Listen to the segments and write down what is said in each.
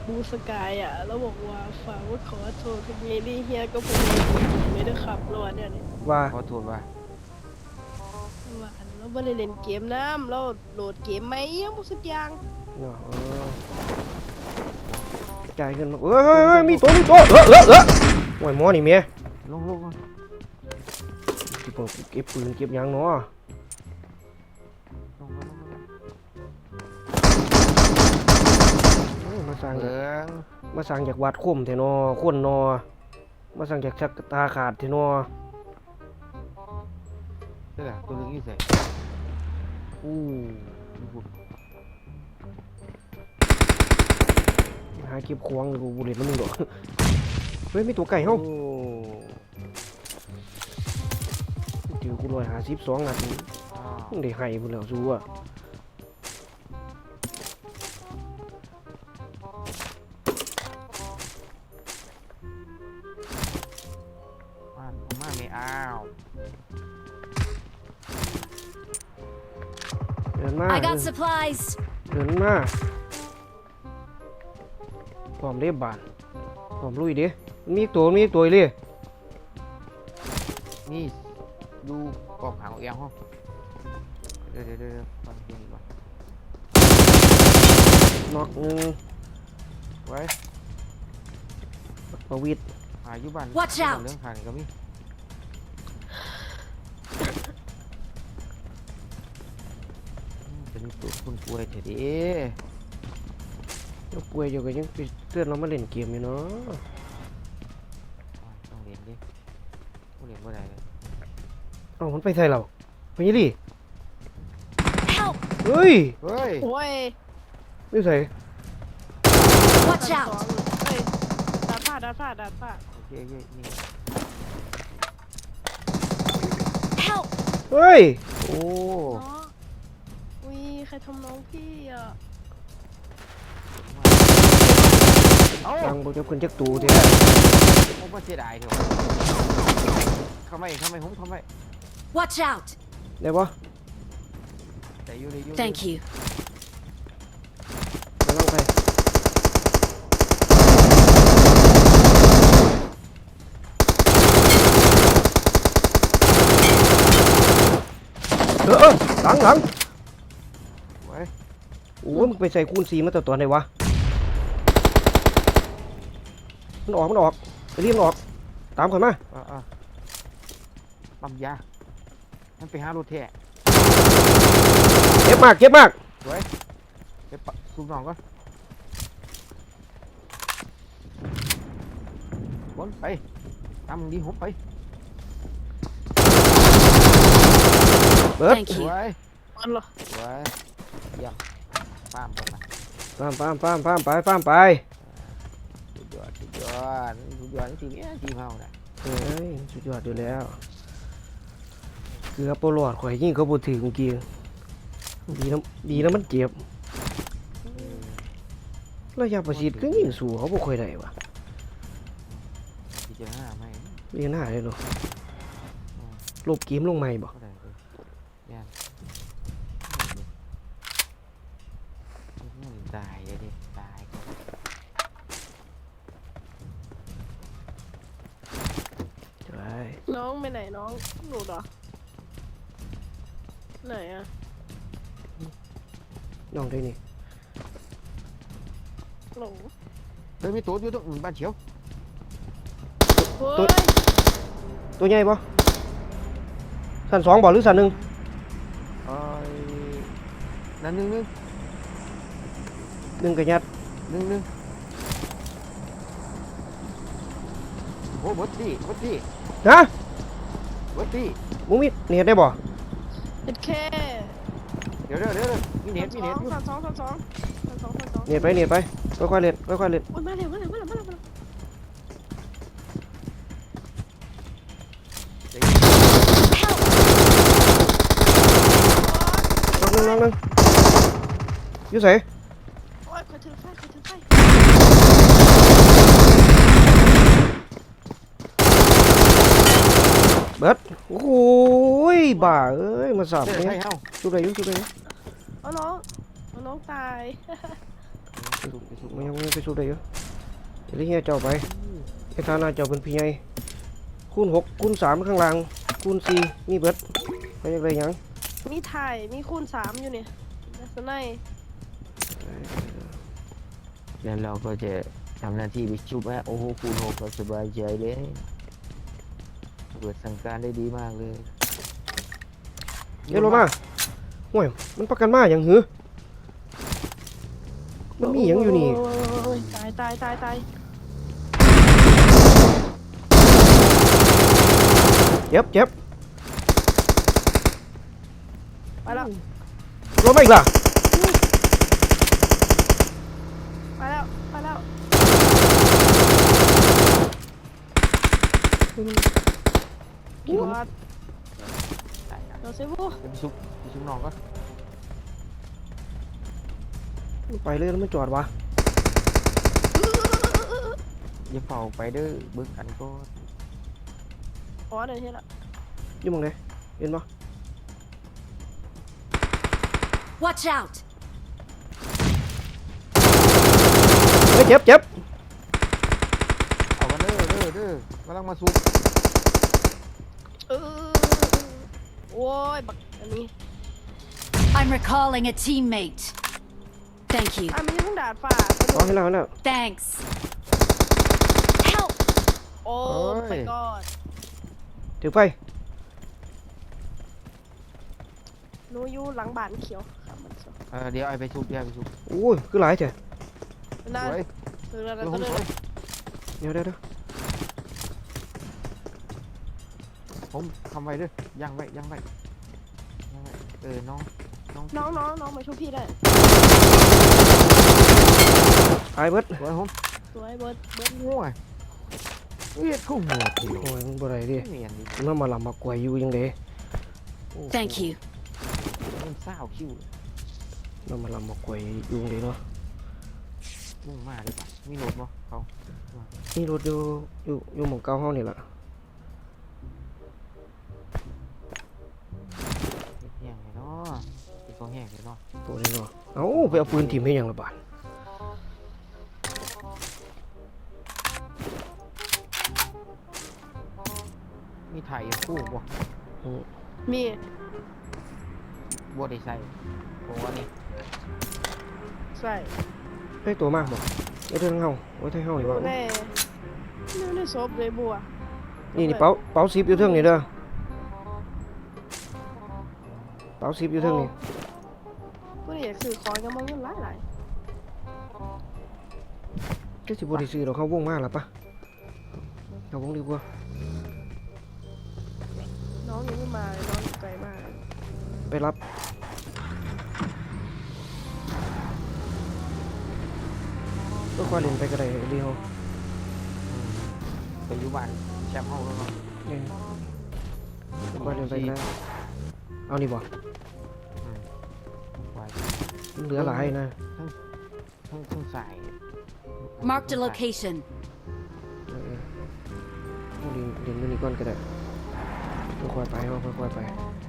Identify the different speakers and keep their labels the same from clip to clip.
Speaker 1: บูสกายอ่ะแล้วบอกว่าฝากว่าขอโทษคุณเมลี่เฮียก็ผมไม่ได้ขับรถเนี่ย
Speaker 2: ว่า
Speaker 3: ขอโทษว่า
Speaker 1: ว่าเราไม่ได้เล่นเกมน้ำเราโหลดเกมไหมยังบุสักอย่าง
Speaker 2: เนาะจ่ายเงินมามีตัวโอ้ยหมอนี่เมีย
Speaker 3: ลง
Speaker 2: เก็บปืนเก็บยางเนาะมาสั่ง
Speaker 3: เหลือง
Speaker 2: มาสั่งจากวัดคมเทนอคนนอมาสั่งจากชักตาขาดเทนอ
Speaker 3: นี่แหละตัวเหลืองยี่สิบ
Speaker 2: อู้หาเก็บควงกูบุเรตแล้วมึงดอกเฮ้ยมีตัวไก่เฮ้าเจอกู152 นัดมึงได้ให้มึงแล้วสู้อ่ะ
Speaker 3: มาไม่อ้าว
Speaker 2: เดินมา
Speaker 4: I got supplies.
Speaker 2: เดินมาพร้อมเรียบบานพร้อมลุยดิมีตัวเลย
Speaker 3: นี่ดูกองหางเอียงห้องเดี๋ยวฟังเพลงก่อน
Speaker 2: นอกนึง
Speaker 3: ไว้
Speaker 2: ประวิตร
Speaker 3: อายุบ้าน
Speaker 4: Watch out
Speaker 3: เรื่องขานก็มีเป็นตัวคนป่วยเถอะดิ
Speaker 2: ยังป่วยอยู่ก็ยังไปเตือนเรามาเล่นเกมอยู่เนาะ
Speaker 3: ต้องเรียนดิผู้เรียนเมื่อไหร่เลย
Speaker 2: เอ้ามันไปใส่เราไปยี่ดิ
Speaker 4: Help!
Speaker 2: เฮ้ย
Speaker 3: เฮ้ย
Speaker 1: โอ้ย
Speaker 2: ไม่ใส่
Speaker 4: Watch
Speaker 1: สอง
Speaker 4: out!
Speaker 1: เฮ้ยดาดผ้า
Speaker 3: โอเคนี่
Speaker 4: Help!
Speaker 2: เฮ้ย
Speaker 3: โอ้
Speaker 1: เนาะอุ้ยใครทำน้องพี่อ่ะ
Speaker 3: เอ้า
Speaker 2: ตังบอกจะขึ้นจักตูเถอะ
Speaker 3: ผมว่าเสียดายเถอะเข้าไม่ผมเข้าไม่
Speaker 4: Watch out!
Speaker 2: ได้ปะ
Speaker 3: แต่อยู่ใน
Speaker 4: Thank you.
Speaker 2: กำลังไปหลัง
Speaker 3: ไว้
Speaker 2: โอ้ยมึงไปใส่คูณ4มาแต่ตัวไหนวะมันออกไปรีบมันออกตามข่อยมา
Speaker 3: ปั๊มยามันไปหารถแท้
Speaker 2: เจ็บมาก
Speaker 3: ไว้ไปปะสูบหนองก่อนวนไปตามมึงดีหบไป
Speaker 2: เบิด
Speaker 4: Thank
Speaker 3: ส
Speaker 4: you.
Speaker 3: วย
Speaker 1: อันเหรอ
Speaker 3: สวยเยี่ยมป้ามตรงไหน
Speaker 2: ฟาร์มไป
Speaker 3: สุดยอดทีนี้ทีมเฮาเนี่ย
Speaker 2: เฮ้ยสุดยอดอยู่แล้วเกือบปลอดข่อยยิ่งเขาพูดถึงเมื่อกี้ดีนะมันเจ็บระยะประชิดก็ยิ่งสู้เขาบ่ค่อยได้วะ
Speaker 3: พิจารณาไหม
Speaker 2: เรียนหน้าเลยเนาะลบเกมลงใหม่บ่
Speaker 3: ก็ได้เลยเนี่ยตายเลยดิตาย
Speaker 2: ใช่
Speaker 1: น้องไปไหนน้องหนูเหรอไหนอ่ะ
Speaker 2: น้องได้นี่
Speaker 1: หลง
Speaker 3: เฮ้ยมีตัวอยู่ตรงบ้านเฉียว
Speaker 1: เฮ้ย
Speaker 2: ตัวใหญ่บ่สั้น2บ่หรือสั้น1
Speaker 3: นั่นหนึ่ง
Speaker 2: 1ก็ยัด
Speaker 3: โอ้บดดี้
Speaker 2: ฮะ
Speaker 3: บดดี้
Speaker 2: มึงมีเน็ตได้บ่
Speaker 1: เอ็ดแค่
Speaker 3: เดี๋ยวมีเน็ตอยู่
Speaker 1: สามสอง
Speaker 2: เน็ตไปค่อยๆเล่น
Speaker 1: โอ้ยมาเร็ว
Speaker 2: น้องนึงอยู่ไส
Speaker 1: โอ้ยคอยถือไฟ
Speaker 2: เบิดโอ้ยบ้าเอ้ยมาสับ
Speaker 3: ใช่
Speaker 2: เนี่ย
Speaker 3: เฮา
Speaker 2: ชุบได้อยู่
Speaker 1: เอาน้องตาย
Speaker 2: มันยังไปสู้ได้อยู่เดี๋ยวเฮียเจ้าไปไอ้ฐานะเจ้าเป็นพี่ใหญ่คูณ6คูณ3ข้างล่างคูณ4มีเบิดไปยังไงยัง
Speaker 1: มีถ่ายมีคูณ3อยู่เนี่ยลักษณะ
Speaker 3: แล้วเราก็จะทำหน้าที่ไปชุบฮะโอ้โหคูณ6ก็สบายใจเลยเปิดสั่งการได้ดีมากเลย
Speaker 2: เดี๋ยวลงมาห่วยมันประกันมาอย่างหือมันมีอย่างอยู่นี่
Speaker 1: โอ้ยตาย
Speaker 2: เจ็บ
Speaker 1: ไปแล้ว
Speaker 2: ลงมาอีกล่ะ
Speaker 1: ไปแล้ว
Speaker 2: กิน
Speaker 1: บอส
Speaker 3: ตายนะ
Speaker 1: เราเซฟู
Speaker 3: ไปชุบน้องก็
Speaker 2: ไปเลยแล้วมันจอดวะ
Speaker 3: อย่าเฝ้าไปเด้อเบิ่งกันก็
Speaker 1: บอสเดี๋ยวเห็นละ
Speaker 2: อยู่หมองไหนเห็นปะ
Speaker 4: Watch out!
Speaker 2: เฮ้ยเจ็บ
Speaker 3: เอากันเด้อกำลังมาซุบ
Speaker 1: โอ้ยบักอันนี้
Speaker 4: I'm recalling a teammate. Thank you.
Speaker 1: มันยังต้องดาดฟ้า
Speaker 2: อ๋อเห็นแล้ว
Speaker 4: Thanks. Help!
Speaker 1: โอ้ไปก่อน
Speaker 2: ถือไฟ
Speaker 1: หนูอยู่หลังบ้านเขียวครับมันส
Speaker 3: เดี๋ยวไอ้ไปชุบ
Speaker 2: โอ้ยคือหลายเถอะ
Speaker 1: นั่น
Speaker 3: สวย
Speaker 1: คืออะไร
Speaker 3: เดี๋ยว
Speaker 1: ก็
Speaker 3: ผม
Speaker 1: เล
Speaker 3: สวย
Speaker 1: ย
Speaker 2: เดี๋ยว
Speaker 3: ผมทำไว้เด้อย่างไว้น้อง
Speaker 1: น้องมาช่วยพี่ได้
Speaker 2: ตายเบิด
Speaker 3: สวยผม
Speaker 1: สวยเบิร์ด
Speaker 3: ง่วยเรียกเข้าหัวที
Speaker 2: โอ้ยมึงบ่ได้ดิ
Speaker 3: เนียนดิ
Speaker 2: มันมาลำมากวยอยู่ยังไง
Speaker 4: Thank you.
Speaker 3: มันเศร้าคิว
Speaker 2: มันมาลำมากวยอยู่ยังไงเนาะ
Speaker 3: มุ่งมากเลยป่ะมีรถบ่เขา
Speaker 2: นี่รถอยู่หม่องเก่าเฮานี่ล่ะ
Speaker 3: แห้งเลยเนาะเป็นตัวแห้งเลยเนาะ
Speaker 2: ตัวนี้เนาะเอ้าไปเอาปืนถิ่มให้หยังละบาด
Speaker 3: มีถ่ายคู่บ่
Speaker 1: มี
Speaker 3: บ่ได้ใส่ผมว่านี่
Speaker 1: ใส่
Speaker 2: ให้ตัวมากบ่ไว้เท่าเฮาไว้เท่าเฮานี่บ่
Speaker 1: แน่นี่ศพเลยบัว
Speaker 2: นี่เป๋า10อยู่เทิงนี่เด้อเป๋า10อยู่เทิงนี่
Speaker 1: ผู้ใดอยากซื้อของก็มองเงินหลาย
Speaker 2: ก็สิบ่ได้ซื้อดอกเขาวงมาล่ะปะเอาวงดีกว่า
Speaker 1: น้องยังไม่มาเลยน้องอยู่ไกลมาก
Speaker 2: ไปรับก็ค่อยเล่นไปก็ได้ดีเฮา
Speaker 3: ไปอยู่บ้านแชมป์เฮาแล้วเนาะ
Speaker 2: เนี่ยค่อยเล่นไปก็ได้เอานี่บ่
Speaker 3: ไว้
Speaker 2: มันเหลือหลายนะ
Speaker 3: ทั้งสาย
Speaker 4: Marked a location.
Speaker 2: เอาเล่นมื้อนี้ก่อนก็ได้ค่อยๆไปเฮาค่อยๆไป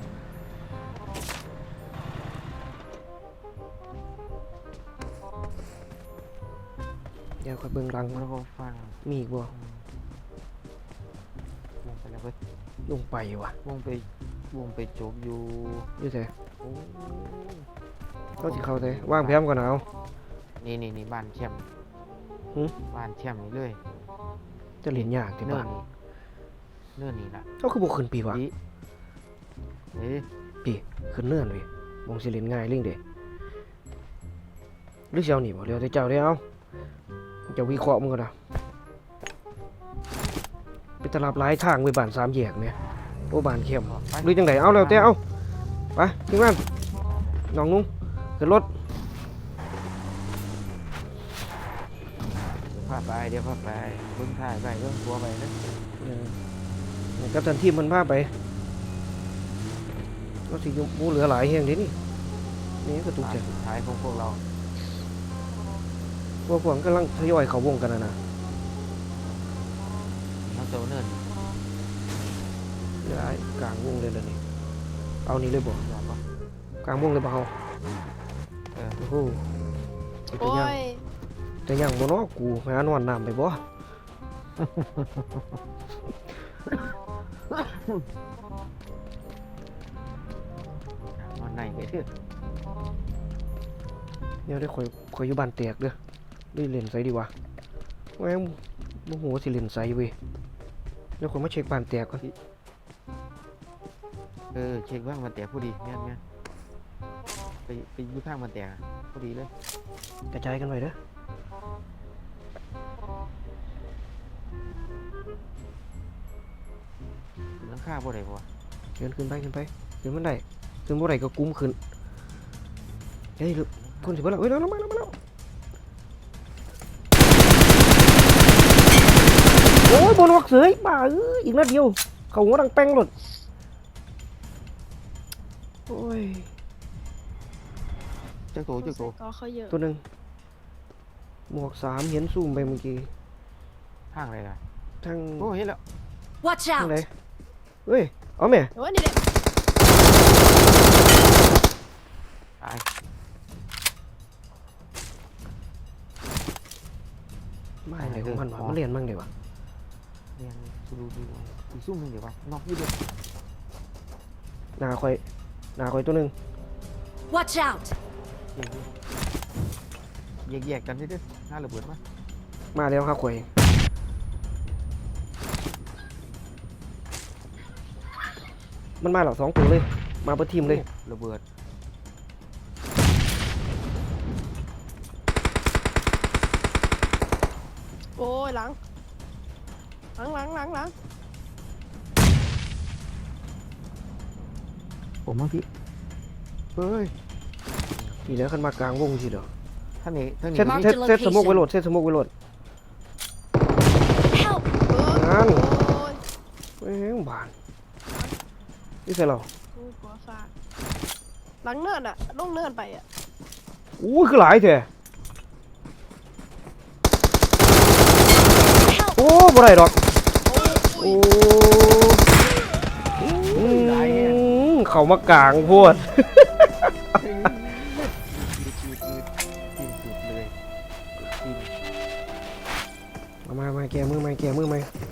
Speaker 2: เดี๋ยวค่อยเบิ่งหลัง
Speaker 3: แล้วก็ฟัง
Speaker 2: มีอีกบ่
Speaker 3: วงไปแล้วเว้ย
Speaker 2: ลงไปว่ะ
Speaker 3: วงไปจบอยู่
Speaker 2: อยู่ไส
Speaker 3: โอ้
Speaker 2: เขาสิเข้าไสวางแผนก่อนเอา
Speaker 3: นี่บ้านแชมป์
Speaker 2: หึ
Speaker 3: บ้านแชมป์นี่เลย
Speaker 2: จะเล่นยากที่
Speaker 3: เนื่อ
Speaker 2: บ้าน
Speaker 3: นี่เนื่อนี่ล่ะ
Speaker 2: เขาคือบ่ขึ้นปีวะ
Speaker 3: ดิเอ๊ะ
Speaker 2: ปีขึ้นเนื่อนเว้ยมองสิเล่นง่ายเรื่องเด้หรือสิเอานี่บ่เดี๋ยวแต่เจ้าได้เอาเจ้าวิเคราะห์มึงก่อนนะไปตลาดหลายทางไปบ้าน3แยกแม่โอ้บ้านเข้ม
Speaker 3: ไป
Speaker 2: หรือจังไดเอาแล้วแต่เอาไปทีมงานน้องนุ่งขึ้นรถ
Speaker 3: พาไปเดี๋ยวพาไปเบิ่งถ่ายไปเบิ่งตัวไปนะ
Speaker 2: กับทันทีมมันพาไปเราสิอยู่บ่เหลือหลายแฮงเด้นี่นี่ก็ตุก
Speaker 3: ตา
Speaker 2: ใจ
Speaker 3: สุดท้ายของพวกเรา
Speaker 2: พวกกำลังทยอยเข้าวงกันนะ
Speaker 3: เราเจ้าเนิน
Speaker 2: เหลือกลางวงเลยนี่เอานี่เลยบ่
Speaker 3: ยอมปะ
Speaker 2: กลางวงเลยบ่เฮา
Speaker 3: เออ
Speaker 2: โอ้โหเป็น
Speaker 1: โอ้
Speaker 2: ตัวอย่าง
Speaker 1: ย
Speaker 2: แต่ยังบ่เนาะกูหานอนน้ำไปบ่
Speaker 3: มันไหนไปเถอะ
Speaker 2: เดี๋ยวได้ข่อยอยู่บ้านแตกเด้อได้เล่นไสดีวะแม่งโมโหสิเล่นไสเว้ยเดี๋ยวข่อยมาเช็คบ้านแตกก่อน
Speaker 3: เช็คว่างมันแตกพอดีแม่นไปอยู่ทางมันแตกพอดีเลย
Speaker 2: กระจายกันไว้เด้อ
Speaker 3: หลังคาบ่ได้บ่วะ
Speaker 2: เดินขึ้นไปขึ้นมันได้ขึ้นบ่ได้ก็กุ้มขึ้นเฮ้ยคนสิบ่แล้วเฮ้ยแล้วมาแล้วโอ้ยบนวักเสยบ้าอีกนัดเดียวเขาหัวดังแป้งหลดโอ้ย
Speaker 3: จักโต
Speaker 1: ก็เขาเยอะ
Speaker 2: ตัวหนึ่งหมวก3เห็นซูมไปเมื่อกี้
Speaker 3: ทางอะไรล่ะ
Speaker 2: ทาง
Speaker 3: โอ้เห็นแล้ว
Speaker 4: Watch
Speaker 2: ทางไหน
Speaker 4: out!
Speaker 2: เฮ้ยเอาแม่
Speaker 1: โอ้ยนี่แหละ
Speaker 3: ตาย
Speaker 2: บ้าอะไรของมันวะมันเรียนมั่งเดี๋ยววะ
Speaker 3: เรียนสูดูอีกซุ่มหนึงเดี๋ยววะนอกอยู่เด้อ
Speaker 2: หนาคอยตัวหนึ่ง
Speaker 4: Watch out!
Speaker 3: แยกกันเด้อหน้าระเบิดมา
Speaker 2: มาแล้วครับข่อยมันมาหรอ2 ตัวเลยมาเปิดทีมเลย
Speaker 3: ระเบิด
Speaker 1: โอ้ยหลัง
Speaker 3: ผมมาพี่
Speaker 2: เฮ้ยนี่แล้วขึ้นมากลางวงสิเด้อ
Speaker 3: ท่านนี้
Speaker 2: เซตสมกไว้โหลดเซตสมกไว้โหลด
Speaker 4: Help!
Speaker 2: นั่น
Speaker 1: โอ้ย
Speaker 2: แม่งบานนี่ใส่เรา
Speaker 1: กูกลัวฟาดหลังเนินอะลงเนินไปอะ
Speaker 2: อู้คือหลายแท้
Speaker 4: Help!
Speaker 2: โอ้บ่ได้ดอก
Speaker 1: โอ้ย
Speaker 2: โอ้เขามากลางโพด
Speaker 3: กินสุดเลยกิน
Speaker 2: มาแกมือไหม